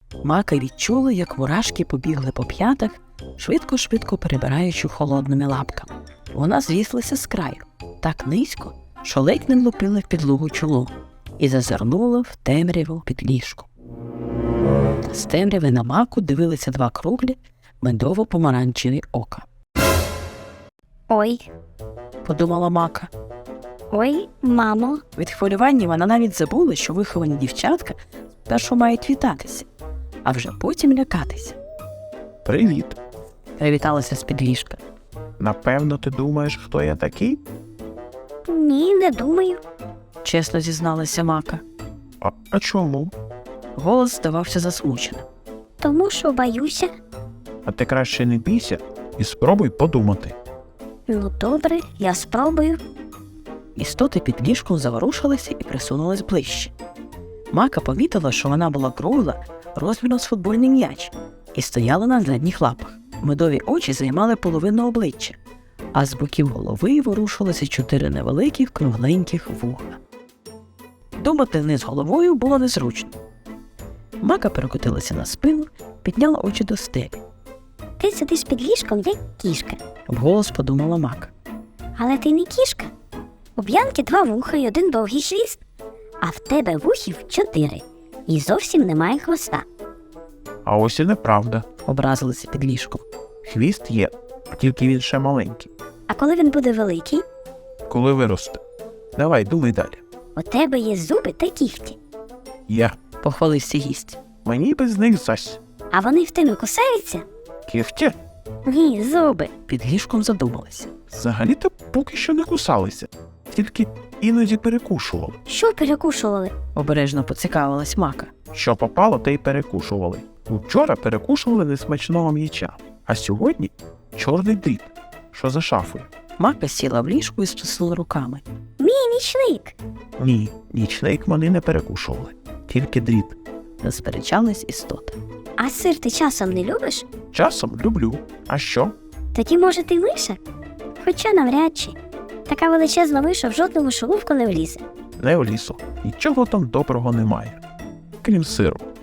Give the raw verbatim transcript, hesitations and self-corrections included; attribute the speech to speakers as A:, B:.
A: Мака відчула, як мурашки побігли по п'ятах, швидко-швидко перебираючи холодними лапками. Вона звіслася з краю, так низько, що ледь не влупила в підлогу чолом, і зазирнула в темряву під ліжком. З темряви на Маку дивилися два круглі, медово-помаранчеві ока.
B: Ой,
A: Подумала Мака.
B: ой, мамо.
A: Від хвилювання вона навіть забула, що виховані дівчатка спершу мають вітатися, а вже потім лякатися.
C: Привіт.
A: Привіталася з-під ліжка.
C: Напевно, ти думаєш, хто я такий?
B: Ні, не думаю.
A: Чесно зізналася Мака.
C: А, а чому?
A: Голос здавався засмученим.
B: Тому що боюся.
C: А ти краще не бійся і спробуй подумати.
B: Ну добре, я спробую.
A: Істоти під ліжком заворушилися і присунулись ближче. Мака помітила, що вона була кругла, розміром з футбольний м'яч, і стояла на задніх лапах. Медові очі займали половину обличчя, а з боків голови ворушилися чотири невеликих кругленьких вуха. Думати вниз головою було незручно. Мака перекотилася на спину, підняла очі до стелі.
B: Ти сидиш під ліжком, як кішка.
A: Вголос подумала Мака.
B: Але ти не кішка. У Б'янки два вуха і один довгий хвіст, а в тебе вухів чотири. І зовсім немає хвоста.
C: А ось і неправда.
A: Образилася під ліжком.
C: Хвіст є, тільки він ще маленький.
B: А коли він буде великий,
C: Коли виросте. Давай, думай далі.
B: у тебе є зуби та кігті.
C: Я.
A: Похвалився гість.
C: Мені без них зась.
B: А вони в тебе кусаються?
C: Кігті?
B: Ні, зуби.
A: Під ліжком задумалася.
C: Взагалі-то поки що не кусалися. Тільки іноді перекушували.
B: Що перекушували?
A: Обережно поцікавилась Мака.
C: Що попало, те й перекушували. Вчора перекушували несмачного м'яча, а сьогодні чорний дріт, що за шафою.
A: Мака сіла в ліжку і стиснула руками.
B: Мій нічник.
C: Ні, нічник вони не перекушували, тільки дріт.
A: Засперечались істоти.
B: А сир ти часом не любиш?
C: Часом люблю. А що?
B: Тоді, може, ти миша? Хоча навряд чи. Така величезна миша в жодну мишоловку не влізе.
C: Не в лісу. Нічого там доброго немає. Крім сиру.